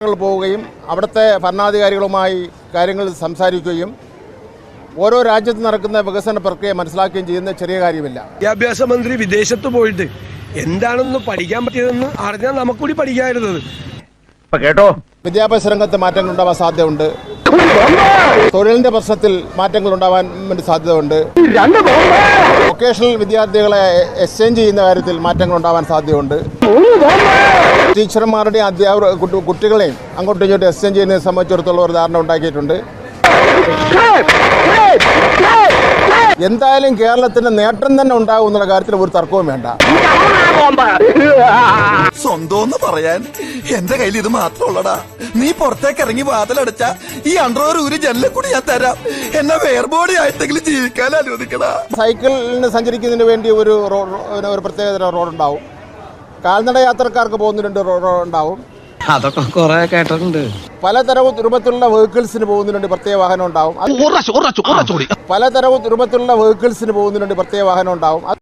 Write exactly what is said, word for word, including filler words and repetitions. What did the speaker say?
പോവുകയും അവിടുത്തെ ഭരണാധികാരികളുമായി കാര്യങ്ങൾ സംസാരിക്കുകയും ഓരോ രാജ്യത്ത് നടക്കുന്ന വികസന പ്രക്രിയ മനസ്സിലാക്കുകയും ചെയ്യുന്ന ചെറിയ കാര്യമില്ല. വിദ്യാഭ്യാസ മന്ത്രി വിദേശത്ത് പോയിട്ട് എന്താണെന്ന് പഠിക്കാൻ പറ്റിയതെന്ന് അറിഞ്ഞാൽ നമുക്കൂടി പഠിക്കാതിരുന്നത്. കേട്ടോ, വിദ്യാഭ്യാസ രംഗത്ത് മാറ്റങ്ങൾ ഉണ്ടാവാൻ സാധ്യതയുണ്ട്. തൊഴിലിന്റെ പ്രശ്നത്തിൽ മാറ്റങ്ങൾ ഉണ്ടാവാൻ വേണ്ടി സാധ്യതയുണ്ട്. വൊക്കേഷണൽ വിദ്യാർത്ഥികളെ എക്സ്ചേഞ്ച് ചെയ്യുന്ന കാര്യത്തിൽ മാറ്റങ്ങൾ ഉണ്ടാവാൻ സാധ്യതയുണ്ട്. ടീച്ചർമാരുടെയും അധ്യാപക കുട്ടികളെയും അങ്ങോട്ടും ഇങ്ങോട്ടും എക്സ്ചേഞ്ച് ചെയ്യുന്നതിനെ സംബന്ധിച്ചിടത്തോളം ഒരു ധാരണ ഉണ്ടാക്കിയിട്ടുണ്ട്. എന്തായാലും കേരളത്തിന് നേട്ടം തന്നെ ഉണ്ടാകും എന്നുള്ള കാര്യത്തിൽ ഒരു തർക്കവും വേണ്ട. സ്വന്തം പറയാൻ എന്റെ കയ്യിൽ ഇത് മാത്രമുള്ളടാ. നീ പുറത്തേക്ക് ഇറങ്ങി വാതിലടച്ച ഈ അണ്ടർവെയർ ഒരു ജനലിൽ കൂടി ഞാൻ തരാം. എന്നെ വേർബോഡി ആയിട്ടെങ്കിലും ജീവിക്കാൻ അനുവദിക്കടാ. സൈക്കിളിന് സഞ്ചരിക്കുന്നതിന് വേണ്ടി ഒരു ഒരു പ്രത്യേകതരം റോഡുണ്ടാവും. കാൽനട യാത്രക്കാർക്ക് പോകുന്നതിന് റോഡ് ഉണ്ടാവും. അതൊക്കെ കുറെ കേട്ടിട്ടുണ്ട്. പലതരം രൂപത്തിലുള്ള വെഹിക്കിൾസിന് പോകുന്നതിനുണ്ട് പ്രത്യേക വാഹനം ഉണ്ടാവും. പലതരം രൂപത്തിലുള്ള വെഹിക്കിൾസിന് പോകുന്നതിനുണ്ട് പ്രത്യേക വാഹനം ഉണ്ടാവും.